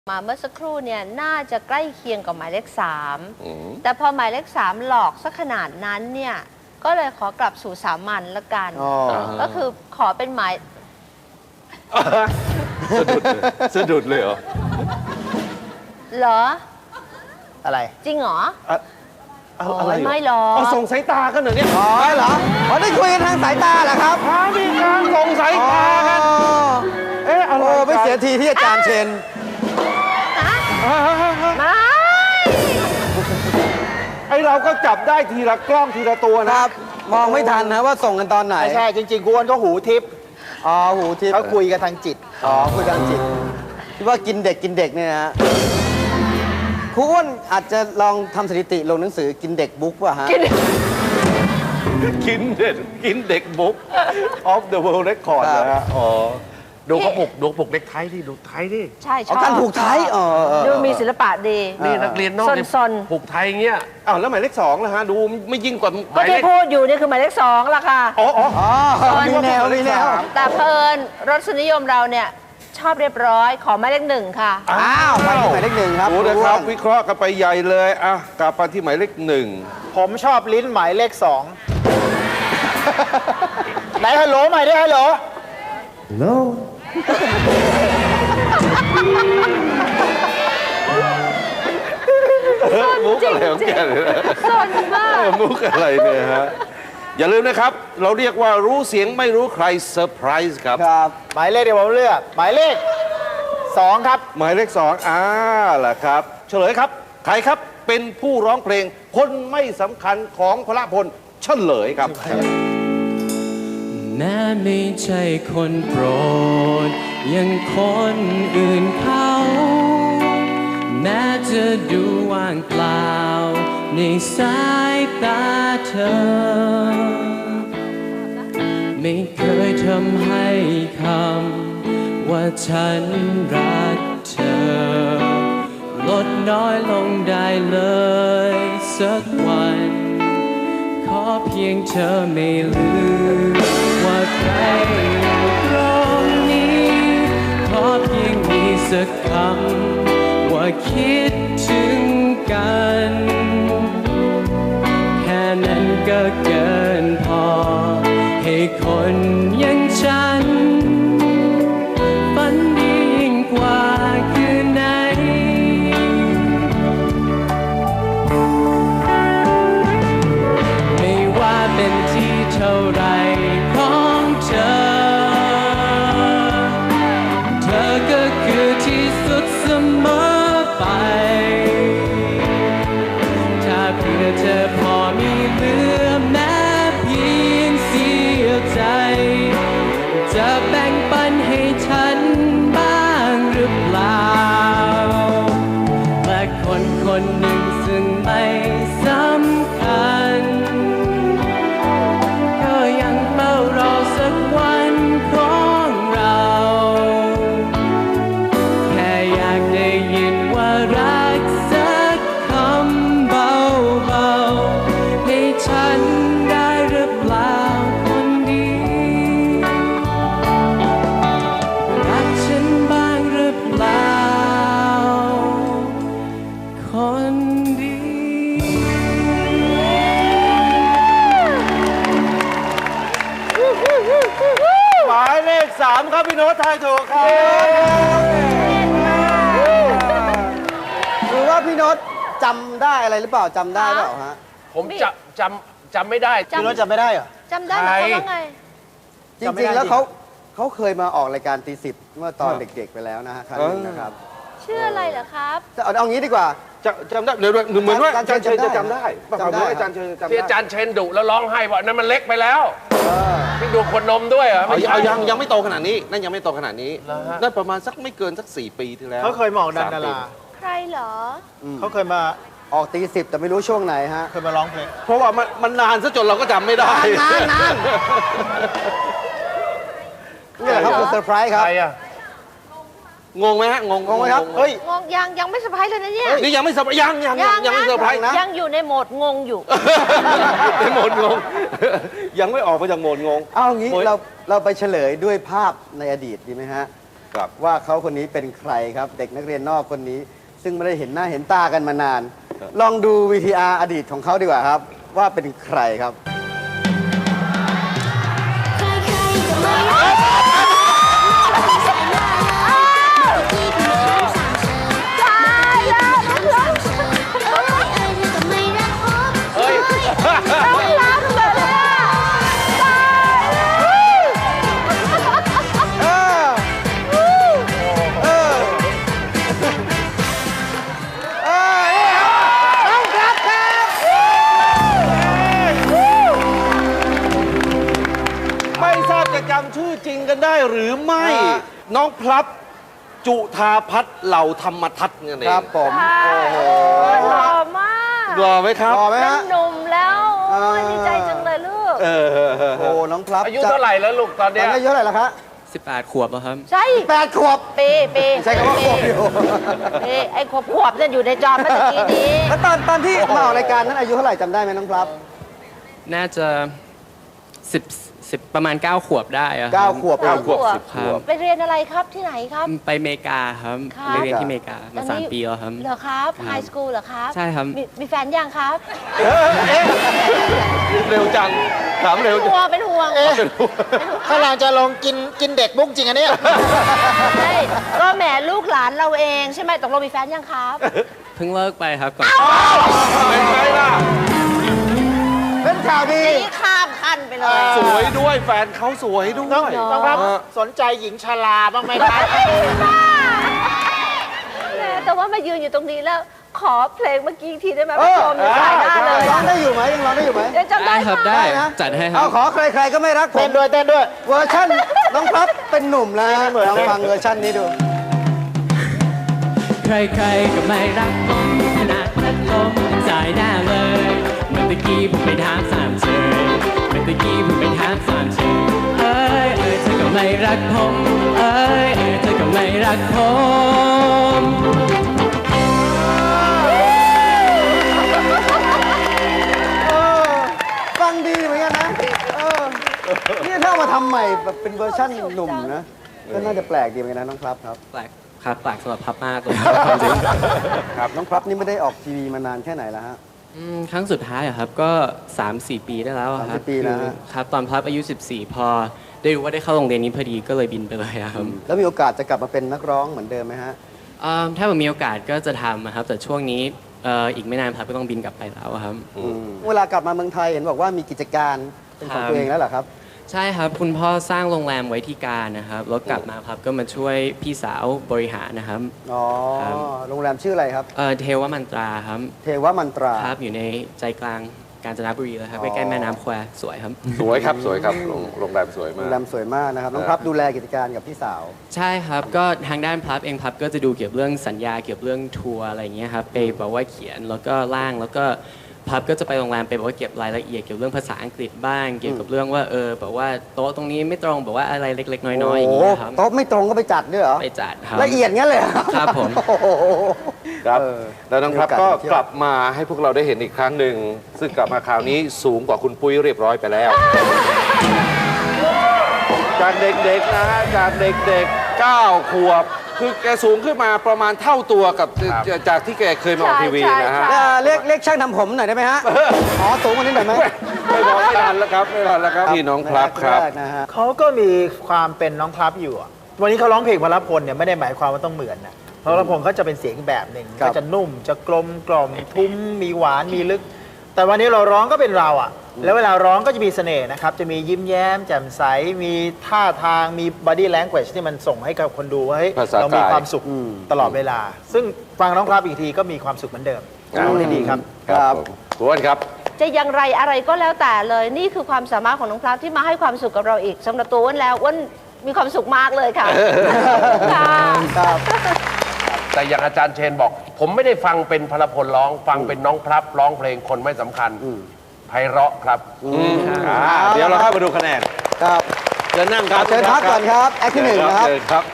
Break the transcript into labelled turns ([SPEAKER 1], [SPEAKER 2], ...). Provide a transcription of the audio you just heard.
[SPEAKER 1] มาเมื่อสักครู่เนี่ยน่าจะใกล้เคียงกับหมายเลข3แต่พอหมายเลข3หลอกสักขนาดนั้นเนี่ยก็เลยขอกลับสู่สามัญละกันก็คือขอเป็นหมาย
[SPEAKER 2] สะดุดเลยเหรอ
[SPEAKER 1] เหรอ
[SPEAKER 3] อะไร
[SPEAKER 1] จริงเหรอ
[SPEAKER 2] อะไร
[SPEAKER 1] ไม่หรอก
[SPEAKER 2] ส่งสายตากันเหรอเนี่ย
[SPEAKER 3] อ๋อเหรอได้คุยกันทางสายตาเหรอครับ
[SPEAKER 2] มีการส่งสายตากัน
[SPEAKER 3] อะไรไม่เสียทีที่อาจารย์เชน
[SPEAKER 1] ไม่
[SPEAKER 2] เราก็จับได้ทีละกล้องทีละตัวนะครับ
[SPEAKER 3] มองไม่ทันนะว่าส่งกันตอนไหน
[SPEAKER 4] ไม่ใช่จริงๆกวนก็หูทิพย์
[SPEAKER 3] หูทิพย์
[SPEAKER 4] เขาคุยกันทางจิต
[SPEAKER 3] คุยกันทางจิตคิดว่ากินเด็กเนี่ยนะครูอ้วนอาจจะลองทำสถิติลงหนังสือกินเด็กบุ๊กป่ะฮะ
[SPEAKER 2] กินเด็กบุ๊ก of the world record นะฮะดูเขาผูกเด็กไทยดิดูไทยดิ
[SPEAKER 1] ใช่ชอบ
[SPEAKER 3] การผูกไทย
[SPEAKER 1] ดูมีศิลปะดี
[SPEAKER 2] นี่นักเรียนนอกผูกไทยเงี้ยแล้วหมายเลข2ล่ะฮะดูไม่ยิ่งกว่า
[SPEAKER 1] ก็ที่พูดอยู่นี่คือหมายเลข2ล่ะค่ะ
[SPEAKER 3] มีแนว
[SPEAKER 1] แต่เพลินรสนิยมเราเนี่ยชอบเรียบร้อยขอหมายเลข1ค่ะ
[SPEAKER 3] ไปที่หมายเลข1ครับ
[SPEAKER 2] โอ้นะครับวิเคราะห์กันไปใหญ่เลยกลับมาที่หมายเลข1
[SPEAKER 4] ผมชอบลิ้นหมายเลข2ไหนฮัลโหลใหม่ได้ฮัลโหล
[SPEAKER 2] มุกอะไรของแกเลยนะ
[SPEAKER 1] สนมาก
[SPEAKER 2] มุกอะไรเนี่ยฮะอย่าลืมนะครับเราเรียกว่ารู้เสียงไม่รู้ใครเซอร์ไพรส์ครับ
[SPEAKER 4] หมายเลขเดี๋ยวผมเลือกหมายเลข2ครับ
[SPEAKER 2] หมายเลข2ล่ะครับเฉลยครับใครครับเป็นผู้ร้องเพลงคนไม่สำคัญของพลพลเฉลยครับ
[SPEAKER 5] แม้ไม่ใช่คนโปรดยังคนอื่นเขาแม้จะดูว่างเปล่าในสายตาเธอไม่เคยทำให้คำว่าฉันรักเธอลดน้อยลงได้เลยสักวันขอเพียงเธอไม่ลืมว่าใครอยู่ตรงนี้ขอเพียงมีสักคำว่าคิดถึงกันแค่นั้นก็เกินพอให้คนอย่างฉันฝันดียิ่งกว่าคืนไหนไม่ว่าเป็นที่เท่าไรของเธอเธอก็คือที่สุดเสมอไปถ้าเพื่อเธอพอมีเหลือแม้เพียงเสี้ยวใจจะแบ่งปันให้ฉันบ้างหรือเปล่าและคนคนหนึ่งซึ่งไม่สำคัญก็ยังเฝ้ารอสักวันของเราแค่อยากได้ยินว่ารักสักคำเบาๆให้ฉันได้หรือเปล่าคนดีรักฉันบ้างหรือเปล่าคนดี
[SPEAKER 2] หมายเลข3ครับพี่โน้ตทายถูกครับ
[SPEAKER 3] หรือว่าพี่โน้ตจำได้อะไรหรือเปล่าจำได้เปล่าฮะ
[SPEAKER 2] ผมจำไม่ได้
[SPEAKER 4] พี่โน้ตจำไม่ได้เหรอ
[SPEAKER 1] จำได้ไหมเขาว่าไง
[SPEAKER 3] จริงๆแล้วเขาเคยมาออกรายการตีสิบเมื่อตอนเด็กๆไปแล้วนะฮะครั้งนึงนะครับ
[SPEAKER 1] ชื่ออะไรเหรอครับ
[SPEAKER 3] เอางี้ดีกว่า
[SPEAKER 2] จำได้เดี๋ยวเหมือนว่าอาจารย์เชนจะจำได้อาจารย์เชนจำได้ที่อาจารย์เชนดุแล้วร้องไห้บอกนั่นมันเล็กไปแล้วพี่ดูคนนมด้วยเหรอยังไม่โตขนาดนี้นั่นยังไม่โตขนาดนี้นั่นประมาณสักไม่เกินสัก4 ปีที่แล้ว
[SPEAKER 4] เขาเคยมาออกดารา
[SPEAKER 1] ใครเหรอ
[SPEAKER 4] เขาเคยมา
[SPEAKER 3] ออกตีสิบแต่ไม่รู้ช่วงไหนฮะ
[SPEAKER 4] เคยมาร้องเพลง
[SPEAKER 2] เพราะว่ามันนานซะจนเราก็จำไม่ได้
[SPEAKER 3] นานนี่แหละครับคือเซอร์ไพรส์ครับ
[SPEAKER 2] งงไหมฮะงง
[SPEAKER 3] ไหมครับ
[SPEAKER 1] เฮ้ยงงยังไม่เซอร์ไพรส์เลยนะเนี่ย
[SPEAKER 2] นี่ยังไม่เซอร์ไพรส์ยังไม่เซอร์ไพรส์นะ
[SPEAKER 1] ยังอยู่ในโหมดงงอยู่
[SPEAKER 2] ในโหมดงงยังไม่ออกมาจากโหมดงง
[SPEAKER 3] เอางี้เราไปเฉลยด้วยภาพในอดีตดีไหมฮะ
[SPEAKER 2] ครับ
[SPEAKER 3] ว่าเขาคนนี้เป็นใครครับ เด็กนักเรียนนอกคนนี้ ซึ่งไม่ได้เห็นหน้าเห็นตากันมานาน ลองดู VTR อดีตของเขาดีกว่าครับ ว่าเป็นใครครับ
[SPEAKER 2] เฮ้ย ไม่ทราบจะจำชื่อจริงกันได้หรือไม่ น้องพลับจุธาพัฒน์เหล่าธรรมทัศน์นั่นเอง
[SPEAKER 3] ครับผม โอ้โห
[SPEAKER 1] หล่อมาก
[SPEAKER 2] รอไหมครับ
[SPEAKER 3] ต่อไหม
[SPEAKER 1] เป็น
[SPEAKER 3] ฮะ
[SPEAKER 1] หนุ่มแล้วโอ้ยดีใจจังเลยลูก
[SPEAKER 3] โอ้น้องพลับ
[SPEAKER 2] อายุเท่าไหร่แล้วลูกตอน
[SPEAKER 3] ต
[SPEAKER 2] เนี้
[SPEAKER 3] อน
[SPEAKER 2] ย
[SPEAKER 3] นี้อายุเท่าไหร่แล้วครับ
[SPEAKER 5] 18 ขวบแล้วครับ
[SPEAKER 1] ใช่
[SPEAKER 3] 8 ขวบ
[SPEAKER 1] ปี
[SPEAKER 3] ใช้คำว่าขวบอยู่
[SPEAKER 1] ปีไอ้ขวบเนี่ยอยู่ในจอเมื่อกี้นี้
[SPEAKER 3] แล้วตอนที่มาออกรายการนั้นอายุเท่าไหร่จำได้ไหมน้องพลับ
[SPEAKER 5] น่าจะ10 ประมาณ 9 ขวบได้อะครับ
[SPEAKER 3] 9 ขวบ
[SPEAKER 2] 9 ขวบ 10
[SPEAKER 5] ครับ
[SPEAKER 1] ไปเรียนอะไรครับที่ไหนครับ
[SPEAKER 5] ไปอเมริกาครับ
[SPEAKER 1] ครับ
[SPEAKER 5] ไปเรียนที่อเมริกามา 3 ปีแล้วครับ
[SPEAKER 1] เหรอครับไฮสคูลเหรอครับ
[SPEAKER 5] ใช่ครับ
[SPEAKER 1] มีแฟนยังครับ
[SPEAKER 2] เร็วจัง ถามเร็วจัง
[SPEAKER 1] เป็นห่วง
[SPEAKER 4] ถ้าเราจะลงกินเด็กบุ้งจริงอันเนี้ย
[SPEAKER 1] ใช่ก็แหมลูกหลานเราเองใช่ไหมตกลงมีแฟนยังครับ
[SPEAKER 5] เพิ่งเลิกไปครับก่อน
[SPEAKER 2] เป็นไงล่ะ
[SPEAKER 3] เป็นข่าวดี
[SPEAKER 1] นี่ข้ามขั้นไปเลย
[SPEAKER 2] สวยด้วยแฟนเขาสวยด้วย
[SPEAKER 4] น้องครับสนใจหญิงชราบ้างไหมครับ
[SPEAKER 1] แหมแต่ว่ามายืนอยู่ตรงนี้แล้วขอเพลงเมื่อกี้อีกทีได้ไหมผู้ชมอยู่สายหน้าเลย
[SPEAKER 3] ร้องได้อยู่ไหมยังร้องได้อยู่ไหม
[SPEAKER 1] เดี๋ยวจำได้
[SPEAKER 5] ได้ครับ
[SPEAKER 1] ค่ะ
[SPEAKER 5] ได้
[SPEAKER 3] นะ
[SPEAKER 5] จัดให้ครั
[SPEAKER 3] เอา
[SPEAKER 5] บ
[SPEAKER 3] ขอใครๆก็ไม่รักผ
[SPEAKER 4] เต้
[SPEAKER 3] ม
[SPEAKER 4] นด้วยเต้นด้วย
[SPEAKER 3] เวอร์ชันน้องพลับเป็นหนุ่มแล้วลองฟังเวอร์ชันนี้ดู
[SPEAKER 5] ใครๆก็ไม่รักผมขนาดพัดลมยังสายหน้าเลยเมื่อตะกี้ผมไปถามสามเชยเมื่อตะกี้ผมไปถามสามเชยเอ้ยเธอก็ไม่รักผมเอ้ยเธอก็ไม่รักผม
[SPEAKER 3] ฟังดีเหมือนกันนะนี่ถ้าเอามาทำใหม่แบบเป็นเวอร์ชันหนุ่มนะ ก็น่าจะแปลกดีเหมือนกันนะน้องพลับครับ
[SPEAKER 5] แปลกครับแปลกสำหรับพับมากเลยความจริง
[SPEAKER 3] ครับน้องพลับนี่ไม่ได้ออกทีวีมานานแค่ไหนแล้วฮะ
[SPEAKER 5] ครั้งสุดท้ายอะครับก็ 3-4 ปีได้แล้วอะครับ
[SPEAKER 3] 3-4 ปีแล้วฮะ
[SPEAKER 5] ครับตอนพับอายุ 14 พอได้รู้ว่าได้เข้าโรงเรียนนี้พอดีก็เลยบินไปเลยอะครับ
[SPEAKER 3] แล้วมีโอกาสจะกลับมาเป็นนักร้องเหมือนเดิมไหมฮะ
[SPEAKER 5] ถ้าผมมีโอกาสก็จะทำอะครับแต่ช่วงนี้อีกไม่นานพับก็ต้องบินกลับไปแล้วอะครับ
[SPEAKER 3] เวลากลับมาเมืองไทยเห็นบอกว่ามีกิจการเป็นของตัวเองแล้วเหรอครับ
[SPEAKER 5] ใช่ครับคุณพ่อสร้างโรงแรมไว้ที่การนะครับแล้วกลับมาพับก็มาช่วยพี่สาวบริหารนะครับ
[SPEAKER 3] อ๋อ
[SPEAKER 5] ครับ
[SPEAKER 3] โรงแรมชื่ออะไรครับ
[SPEAKER 5] เทวมันตราครับ
[SPEAKER 3] เทวมันตรา
[SPEAKER 5] ครับอยู่ในใจกลางกาญจนบุรีเลยครับ
[SPEAKER 3] อ๋อ
[SPEAKER 5] ใกล้ๆแม่น้ำแควสวยครับ
[SPEAKER 2] สวยครับ สวยครับ โรงแรมสวย
[SPEAKER 3] โร
[SPEAKER 2] มาก
[SPEAKER 3] งแรมสวยมากนะครับ น้องพลับดูแลกิจการกับพี่สาว
[SPEAKER 5] ใช่ครับก็ทางด้านพับเองพับก็จะดูเกี่ยวกับเรื่องสัญญาเกี่ยวกับเรื่องทัวร์อะไรอย่างเงี้ยครับไปแบบว่าเขียนแล้วก็ร่างแล้วก็พับก็จะไปโรงแรมไปแบบว่าเก็บรายละเอียดเกี่ยวกับเรื่องภาษาอังกฤษบ้างเกี่ยวกับเรื่องว่าแบบว่าโต๊ะตรงนี้ไม่ตรงแบบว่าอะไรเล็กๆน้อยๆอย่างเงี้ยครับ
[SPEAKER 3] โต๊ะไม่ตรงก็ไปจัดด้วยเหรอ
[SPEAKER 5] ไปจัดครับ
[SPEAKER 3] ละเอียดงั้นเลยเหรอ
[SPEAKER 5] ครับผม
[SPEAKER 3] โอ้โห
[SPEAKER 2] ครับ
[SPEAKER 3] เออ
[SPEAKER 2] แล้วน้องครับ
[SPEAKER 3] มีโอกาส
[SPEAKER 2] ก็
[SPEAKER 3] ไปเที่ยว
[SPEAKER 2] กลับมาให้พวกเราได้เห็นอีกครั้งหนึ่ง ซึ่งกลับมาคราวนี้สูงกว่าคุณปุ้ยเรียบร้อยไปแล้ว จากเด็กๆนะฮะ จากเด็กๆ 9 ขวบ คือแกสูงขึ้นมาประมาณเท่าตัวกับจากที่แกเคยมาออกทีวีนะฮะ
[SPEAKER 1] ใช่
[SPEAKER 3] เรียกช่างทำผมหน่อยได้ไหมฮะ อ๋อสูงกว่านี้หน่อยไหม
[SPEAKER 2] ไม่บอกไม่ทันแล้วครับ ไม่ทันแล้วครับพี่น้องพลับครับ
[SPEAKER 3] แกนะฮะ
[SPEAKER 4] เขาก็มีความเป็นน้องพลับอยู่อะวันนี้เขาร้องเพลงพลพลเนี่ยไม่ได้หมายความว่าต้องเหมือนนะพลพลเขาจะเป็นเสียงแบบหนึ่ง
[SPEAKER 3] ครับ
[SPEAKER 4] ก็จะนุ่มจะกลมกล่อมทุ้มมีหวานมีลึก แต่วันนี้เราร้องก็เป็นเราอ่ะ แล้วเวลาร้องก็จะมีเสน่ห์นะครับ จะมียิ้มแย้มแจ่มใส มีท่าทาง มี body language ที่มันส่งให้กับคนดูว่าเฮ้ย
[SPEAKER 2] ภาษากาย
[SPEAKER 4] เรามีความสุขตลอดเวลา ซึ่งฟังน้องพลับอีกทีก็มีความสุขเหมือนเดิมร้องได้ดีครับ
[SPEAKER 2] ครับผมคุณอ้วนครับ
[SPEAKER 1] จะอย่างไรอะไรก็แล้วแต่เลย นี่คือความสามารถของน้องพลับที่มาให้ความสุขกับเราอีกสำหรับตัวอ้วนแล้วอ้วนมีความสุขมากเลยค่ะค่ะ
[SPEAKER 3] ครับ
[SPEAKER 2] แต่อย่างอาจารย์เชนบอก ผมไม่ได้ฟังเป็นพลพลร้อง ฟังเป็นน้องพลับร้องเพลงคนไม่สำคัญไพเราะครับเดี๋ยวเราเข้ามาดูคะแนน
[SPEAKER 3] ครับ
[SPEAKER 2] เชิญนั่งครับ
[SPEAKER 3] เชิญพักก่อนครับ แอคที่หนึ่งนะครับ
[SPEAKER 2] เชิญครับ